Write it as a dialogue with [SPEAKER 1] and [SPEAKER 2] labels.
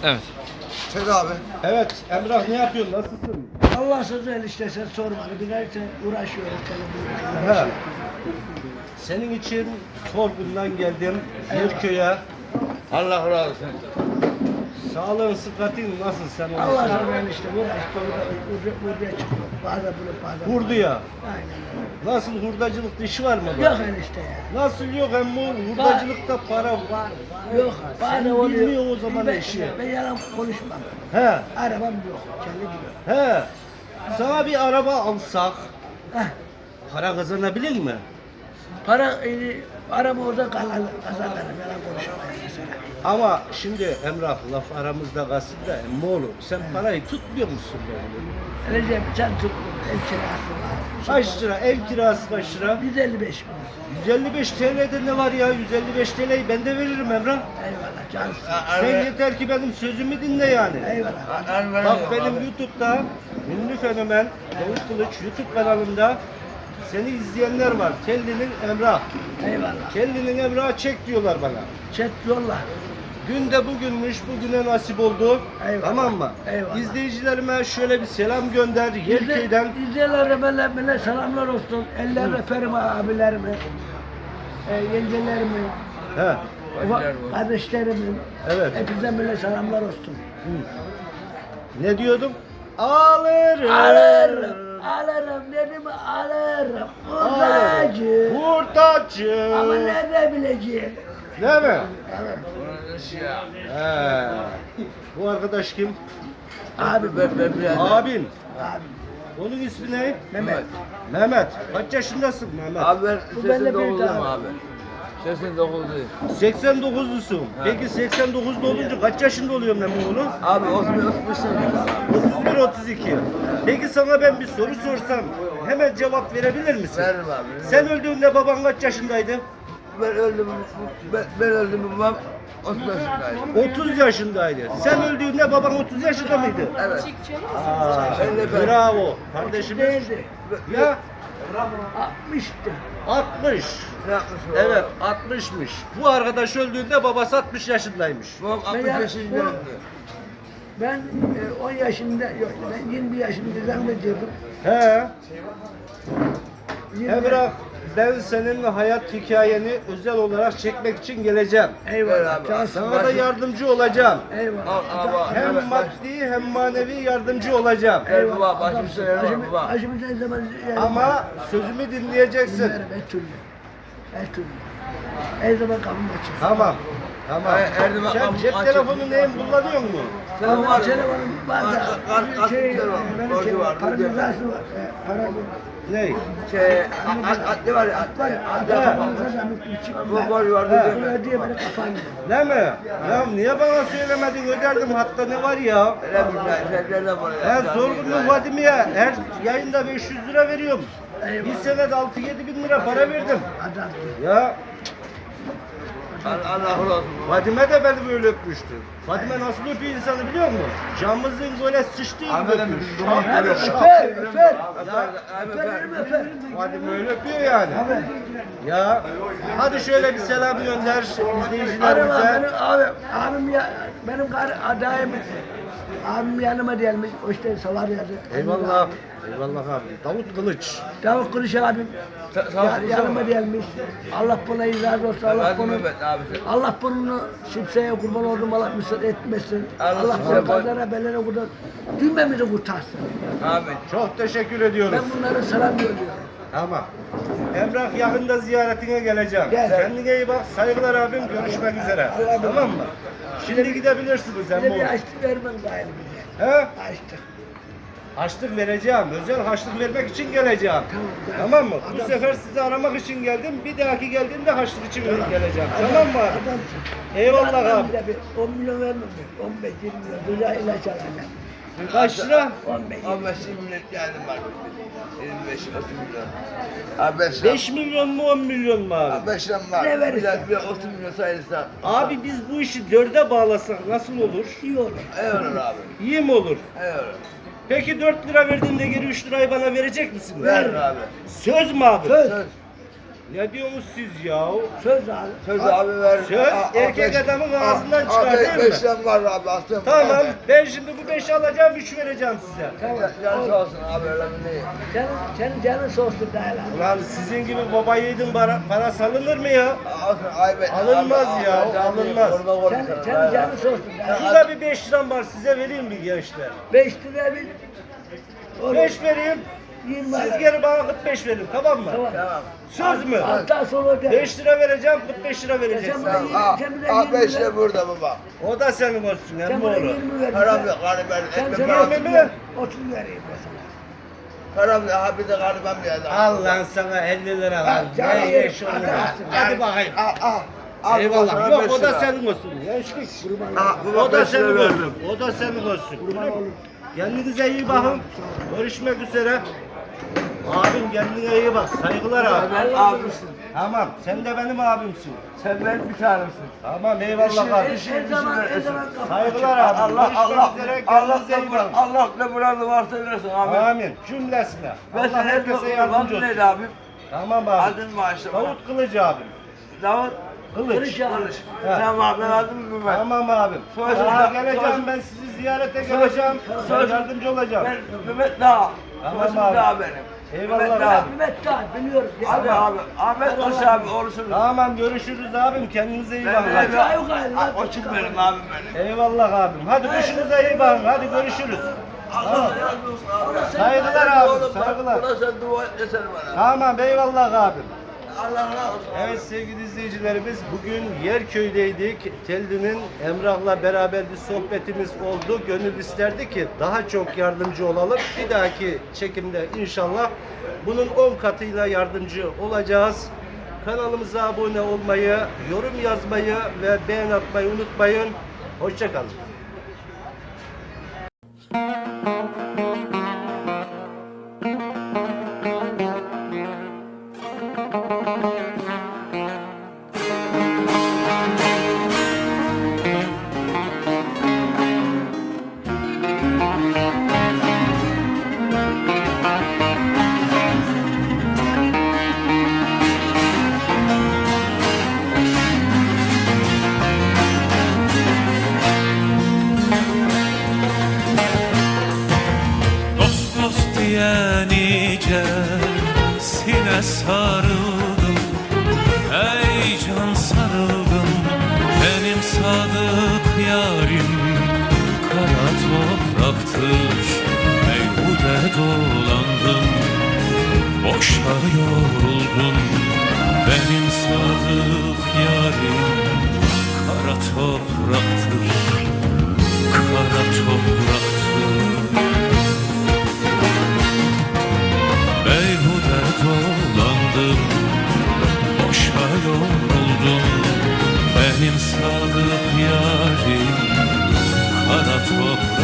[SPEAKER 1] Evet.
[SPEAKER 2] Çek abi.
[SPEAKER 3] Evet Emrah, ne yapıyorsun? Nasılsın?
[SPEAKER 4] Allah sözü enişte sen sorma. Birlikte uğraşıyoruz.
[SPEAKER 3] Ha. Senin için Sorgun'dan geldim Yerköy'e.
[SPEAKER 2] Allah razı olsun.
[SPEAKER 3] Sağlığın, sıhhatin nasıl sen?
[SPEAKER 4] Allah sözü enişte uğraştı. Buraya çıktı. Bazen bunu bazen.
[SPEAKER 3] Hurduya.
[SPEAKER 4] Aynen.
[SPEAKER 3] Nasıl, hurdacılık işi var mı?
[SPEAKER 4] Yok enişte ya.
[SPEAKER 3] Nasıl yok emmi? Hurdacılıkta para var.
[SPEAKER 4] Yok. Bazen oluyor.
[SPEAKER 3] bilmiyor o zaman
[SPEAKER 4] ben,
[SPEAKER 3] işi.
[SPEAKER 4] Ben yalan konuşmam.
[SPEAKER 3] He.
[SPEAKER 4] Arabam yok. Kendi gidiyor.
[SPEAKER 3] He. Sana bir araba alsak
[SPEAKER 4] Heh.
[SPEAKER 3] para kazanabilir mi?
[SPEAKER 4] Araba orada kazanırım. Yalan konuşmam mesela.
[SPEAKER 3] Ama şimdi Emrah, laf aramızda kalsın da emmoğlu, sen parayı tutmuyor musun böyle?
[SPEAKER 4] Recep sen tut. El kirası var.
[SPEAKER 3] Kaç lira? Ev kirası kaç lira?
[SPEAKER 4] 155 bin.
[SPEAKER 3] 155 TL'de ne var ya? 155 TL'yi ben de veririm Emrah.
[SPEAKER 4] Eyvallah cansın.
[SPEAKER 3] Sen yeter ki benim sözümü dinle yani.
[SPEAKER 4] Eyvallah.
[SPEAKER 3] Bak benim YouTube'da ünlü fenomen Davut Kılıç YouTube kanalımda seni izleyenler var. Kellinin Emrah.
[SPEAKER 4] Eyvallah.
[SPEAKER 3] Kellinin Emrah'ı çek diyorlar bana.
[SPEAKER 4] Chat yolla.
[SPEAKER 3] Gün de bugünmüş, bugüne nasip oldu.
[SPEAKER 4] Eyvallah.
[SPEAKER 3] Tamam mı?
[SPEAKER 4] Eyvallah.
[SPEAKER 3] İzleyicilerime şöyle bir selam gönder Yerköy'den.
[SPEAKER 4] İzleyenlere bana selamlar olsun. Eller öperim abilerimi. Yengelerimi.
[SPEAKER 3] He.
[SPEAKER 4] Kardeşlerimin.
[SPEAKER 3] Evet.
[SPEAKER 4] Hepinize böyle selamlar olsun.
[SPEAKER 3] Ne diyordum? Alırım.
[SPEAKER 4] Alırım dedim alırım. Hurdacı.
[SPEAKER 3] Hurdacı.
[SPEAKER 4] Ama nerede bileceğim?
[SPEAKER 3] Değil mi?
[SPEAKER 4] Evet.
[SPEAKER 3] He. Bu arkadaş kim?
[SPEAKER 4] Abi ben.
[SPEAKER 3] Abin.
[SPEAKER 4] Abi.
[SPEAKER 3] Onun ismi ne?
[SPEAKER 4] Mehmet.
[SPEAKER 3] Mehmet. Kaç yaşındasın Mehmet?
[SPEAKER 2] Abi ben
[SPEAKER 4] Bu benimle
[SPEAKER 2] 89'luyum
[SPEAKER 4] büyük
[SPEAKER 2] abi. 89'luyum.
[SPEAKER 3] 89'lusun. Peki 89'da olunca kaç yaşında oluyor Mehmet oğlum?
[SPEAKER 2] Abi 30 sene.
[SPEAKER 3] 31-32. Peki sana ben bir soru sorsam hemen cevap verebilir misin?
[SPEAKER 2] Veririm abi.
[SPEAKER 3] Sen öldüğünde baban kaç yaşındaydı?
[SPEAKER 2] Ben öldüm babam 30 yaşındaydı.
[SPEAKER 3] 30 yaşındaydı. Sen öldüğünde baban 30 yaşında mıydı?
[SPEAKER 2] Evet.
[SPEAKER 3] Aa,
[SPEAKER 2] Ben de ben.
[SPEAKER 3] bravo. Kardeşimiz.
[SPEAKER 4] Değildi.
[SPEAKER 3] Ya
[SPEAKER 4] 60'tı.
[SPEAKER 3] 60.
[SPEAKER 2] Ne yapmış o?
[SPEAKER 3] Evet 60'mış. Bu arkadaş öldüğünde babası 60 yaşındaymış.
[SPEAKER 2] Babam 60
[SPEAKER 4] Ben-
[SPEAKER 2] yaşında öldü.
[SPEAKER 4] Ben 10 yaşında, yok ben 20 yaşında zannediyordum.
[SPEAKER 3] He.
[SPEAKER 4] 20
[SPEAKER 3] Emrah, ben senin hayat hikayeni özel olarak çekmek için geleceğim.
[SPEAKER 2] Ver
[SPEAKER 4] Eyvallah.
[SPEAKER 2] abi.
[SPEAKER 4] Cansın.
[SPEAKER 3] Sana da yardımcı olacağım.
[SPEAKER 4] Eyvallah.
[SPEAKER 2] Al,
[SPEAKER 3] Hem
[SPEAKER 2] Evet,
[SPEAKER 3] maddi hem manevi yardımcı olacağım.
[SPEAKER 2] Ver baba, başım söyle baba.
[SPEAKER 4] Başımı ne zaman
[SPEAKER 3] Ama sözümü dinleyeceksin.
[SPEAKER 4] dinlerim her türlü. Her türlü. Her zaman kapım açık.
[SPEAKER 3] Tamam. Tamam.
[SPEAKER 2] Her zaman
[SPEAKER 3] Sen
[SPEAKER 2] kapım
[SPEAKER 3] cep
[SPEAKER 2] açık.
[SPEAKER 3] telefonu neyin kullanıyor mu?
[SPEAKER 2] Senin var.
[SPEAKER 4] Telefonum var da
[SPEAKER 2] Kart
[SPEAKER 4] benim
[SPEAKER 2] borcu var.
[SPEAKER 4] para cezası var. Para
[SPEAKER 3] Ne?
[SPEAKER 2] Atlı var ya,
[SPEAKER 4] var.
[SPEAKER 2] Bu borcu var.
[SPEAKER 3] He.
[SPEAKER 4] Bunu ödeye beni kapandı.
[SPEAKER 3] Ne mi? Ya niye bana söylemedin, öderdim, hatta ne var ya?
[SPEAKER 2] Öyle bir şeylerden var ya.
[SPEAKER 3] Ben Sorgunlu Vadim'e her yayında 500 lira veriyorum. Bir senede 6-7 bin lira para verdim.
[SPEAKER 4] Adam.
[SPEAKER 3] Ya
[SPEAKER 2] Allah razı olsun.
[SPEAKER 3] Fadime de beni böyle öpmüştü. Fadime nasıl öpüyor insanı biliyor musun? Camımızın böyle sıçtığı gibi
[SPEAKER 2] Ahmet abi,
[SPEAKER 3] öpüyor.
[SPEAKER 2] biz
[SPEAKER 3] Şap
[SPEAKER 2] duman
[SPEAKER 3] böyle
[SPEAKER 2] görüyoruz.
[SPEAKER 3] şap.
[SPEAKER 4] Öper.
[SPEAKER 2] Abi
[SPEAKER 4] Öper.
[SPEAKER 3] Fadime öyle öpüyor yani.
[SPEAKER 4] Abi.
[SPEAKER 3] Ya hadi şöyle bir selam gönder
[SPEAKER 4] Arama
[SPEAKER 3] izleyicilerimize.
[SPEAKER 4] benim abim ya benim adayım abim yanıma gelmiş. O işte salar yazı.
[SPEAKER 3] Eyvallah. Eyvallah abi. Davut Kılıç.
[SPEAKER 4] Davut Kılıç abim yanıma gelmiş. Allah buna razı olsun. Allah bunu kimseye kurban oldum. Allah müsaade etmesin. Allah bunu kazara belene kurtar. Cümlemizi kurtarsın.
[SPEAKER 2] Amin.
[SPEAKER 3] Çok teşekkür ediyoruz.
[SPEAKER 4] Ben bunlara selam gönderiyorum.
[SPEAKER 3] Tamam. Emrah yakında ziyaretine geleceğim.
[SPEAKER 4] Gel.
[SPEAKER 3] Kendine iyi bak. Saygılar abim. Görüşmek üzere.
[SPEAKER 4] Allah
[SPEAKER 3] Tamam mı? Şimdi gidebilirsiniz
[SPEAKER 4] Bir de bir
[SPEAKER 3] Emre.
[SPEAKER 4] açlık vermem gayrı bize.
[SPEAKER 3] He?
[SPEAKER 4] Açlık.
[SPEAKER 3] Harçlık vereceğim. Özel harçlık vermek için geleceğim.
[SPEAKER 4] Tamam.
[SPEAKER 3] Tamam mı? Bu
[SPEAKER 4] Adamsın.
[SPEAKER 3] sefer sizi aramak için geldim. Bir dahaki geldiğimde harçlık için geleceğim. Tamam mı abi?
[SPEAKER 4] Adamsın.
[SPEAKER 3] Eyvallah abi.
[SPEAKER 4] Bir de bir 10 milyon vermem mi? 15, 20 milyon. Güzel ilaç alacağım.
[SPEAKER 3] Kaç lira?
[SPEAKER 4] 15, 20
[SPEAKER 2] 15 milyon geldim bak. 25 30 milyon. Abi 5
[SPEAKER 3] 5 milyon mu 10 milyon mu abi?
[SPEAKER 2] 5 lira var.
[SPEAKER 4] Ne verirsen.
[SPEAKER 2] Bir 30 milyon sayılırsa.
[SPEAKER 3] Abi biz bu işi 4'e bağlasak nasıl olur?
[SPEAKER 4] iyi olur.
[SPEAKER 2] İyi olur abi.
[SPEAKER 3] İyi mi olur?
[SPEAKER 2] İyi olur.
[SPEAKER 3] Peki 4 lira verdiğinde geri 3 lirayı bana verecek misin?
[SPEAKER 2] Ver abi.
[SPEAKER 3] Söz mü abi?
[SPEAKER 4] Söz.
[SPEAKER 2] Söz.
[SPEAKER 3] Ne diyorsunuz siz ya?
[SPEAKER 4] Söz abi.
[SPEAKER 2] Söz abi ver.
[SPEAKER 3] Söz erkek adamın ağzından çıkar değil mi?
[SPEAKER 2] 5 lira var abi aslında.
[SPEAKER 3] Tamam, ben şimdi bu 5'i alacağım, 3 vereceğim size.
[SPEAKER 4] Tamam.
[SPEAKER 2] Can sağ olsun abi öyle mi değil?
[SPEAKER 4] Senin canın soğusun değil abi.
[SPEAKER 3] Ulan sizin gibi baba yiğidin para salınır mı ya?
[SPEAKER 2] Olsun ayıp etme.
[SPEAKER 3] Alınmaz ya, alınmaz.
[SPEAKER 4] Senin canın soğusun değil abi.
[SPEAKER 3] Şurada bir 5 liram var, size vereyim mi gençler?
[SPEAKER 4] 5 lira bir.
[SPEAKER 3] 5 vereyim,
[SPEAKER 4] 20
[SPEAKER 3] siz
[SPEAKER 4] lira.
[SPEAKER 3] geri bana 45 verin, tamam mı?
[SPEAKER 4] Tamam.
[SPEAKER 2] Tamam.
[SPEAKER 3] Söz mü?
[SPEAKER 4] Alttan sonra öder.
[SPEAKER 3] 5 lira vereceğim, 45 lira vereceksin.
[SPEAKER 4] Sen
[SPEAKER 2] Tamam.
[SPEAKER 4] Sen bir de
[SPEAKER 2] Al
[SPEAKER 4] 20
[SPEAKER 2] 5
[SPEAKER 4] lira.
[SPEAKER 2] lira burada baba.
[SPEAKER 3] O da senin olsun,
[SPEAKER 4] Sen
[SPEAKER 3] hem
[SPEAKER 4] bana
[SPEAKER 3] oğlu.
[SPEAKER 4] 20 ver.
[SPEAKER 2] Param yok hani ben
[SPEAKER 4] Sen
[SPEAKER 2] ekmek
[SPEAKER 4] sana
[SPEAKER 2] param.
[SPEAKER 3] 20
[SPEAKER 4] 30
[SPEAKER 3] mi?
[SPEAKER 4] ver. 30 vereyim ben sana.
[SPEAKER 2] Param yok abi de gariban bir adam.
[SPEAKER 3] Al lan sana 50 lira lan.
[SPEAKER 4] canım
[SPEAKER 3] Ne
[SPEAKER 4] yerim,
[SPEAKER 3] iş onu
[SPEAKER 4] hadi
[SPEAKER 3] lan.
[SPEAKER 4] alsın.
[SPEAKER 3] Hadi bakayım.
[SPEAKER 2] Al
[SPEAKER 3] Eyvallah. Yok o da senin olsun. Gençlik. O da senin olsun. O da senin olsun. Kendinize iyi bakın. Görüşmek üzere. Abim kendine iyi bak. Saygılar abi.
[SPEAKER 2] Ben abisin.
[SPEAKER 3] Tamam. Sen de benim abimsin.
[SPEAKER 2] Sen benim bir tanemsin.
[SPEAKER 3] Tamam eyvallah abi.
[SPEAKER 4] Her zaman kapı
[SPEAKER 3] Saygılar abi.
[SPEAKER 2] Allah
[SPEAKER 3] Görüşmek üzere. Kendinize iyi bakın.
[SPEAKER 2] Allah ne muradını varsa versin abi.
[SPEAKER 3] Amin. Cümlesine.
[SPEAKER 2] Ben
[SPEAKER 3] Allah
[SPEAKER 2] sana
[SPEAKER 3] herkese yardımcı olsun.
[SPEAKER 2] neydi abi?
[SPEAKER 3] Tamam abi.
[SPEAKER 2] Adın maaşlı.
[SPEAKER 3] Davut Kılıcı abim.
[SPEAKER 2] Davut
[SPEAKER 3] Kılıç.
[SPEAKER 4] Kılıç abi.
[SPEAKER 2] Kılıç.
[SPEAKER 3] Ha.
[SPEAKER 2] Tamam ben adım Mehmet.
[SPEAKER 3] Tamam abim.
[SPEAKER 2] Sonra-
[SPEAKER 3] Daha
[SPEAKER 2] sonra-
[SPEAKER 3] geleceğim ben sizi ziyarete geleceğim.
[SPEAKER 2] sonra-
[SPEAKER 3] Yardımcı olacağım.
[SPEAKER 2] Ben Mehmet Dağ.
[SPEAKER 3] Tamam
[SPEAKER 2] Soysun
[SPEAKER 3] abi.
[SPEAKER 2] Dağ benim.
[SPEAKER 3] Eyvallah
[SPEAKER 2] Mehmet Dağ.
[SPEAKER 3] abi.
[SPEAKER 4] Mehmet Dağ biliyoruz. ya.
[SPEAKER 2] Abi abi. Ahmet Koç abi oğlusunuz.
[SPEAKER 3] Tamam görüşürüz abim. Kendinize iyi
[SPEAKER 2] Ben
[SPEAKER 3] bakın.
[SPEAKER 2] benim.
[SPEAKER 3] Hadi.
[SPEAKER 4] Yok abi.
[SPEAKER 2] Koçum benim abim benim.
[SPEAKER 3] Eyvallah abim. Hadi kuşunuza iyi bakın. Hadi görüşürüz.
[SPEAKER 2] Allah razı olsun abi.
[SPEAKER 3] Saygılar abi. Saygılar.
[SPEAKER 2] Buna sen dua et yeter bana.
[SPEAKER 3] Tamam eyvallah abim.
[SPEAKER 2] Allah razı olsun.
[SPEAKER 3] Evet sevgili izleyicilerimiz bugün Yerköy'deydik. Telli'nin Emrah'la beraber bir sohbetimiz oldu. Gönül isterdi ki daha çok yardımcı olalım. Bir dahaki çekimde inşallah bunun 10 katıyla yardımcı olacağız. Kanalımıza abone olmayı, yorum yazmayı ve beğen atmayı unutmayın. Hoşça kalın.
[SPEAKER 1] Dost dost diye nice sine sarıldım. Ey can sarıldım benim sadık yarim. Kara topraktır meyhude dolandım. Boşa yoruldum benim sadık yarim. Kara topraktır, kara topraktır. Beyhude dolandım, boşa yoruldum. Benim sadık yarim, kara toprak.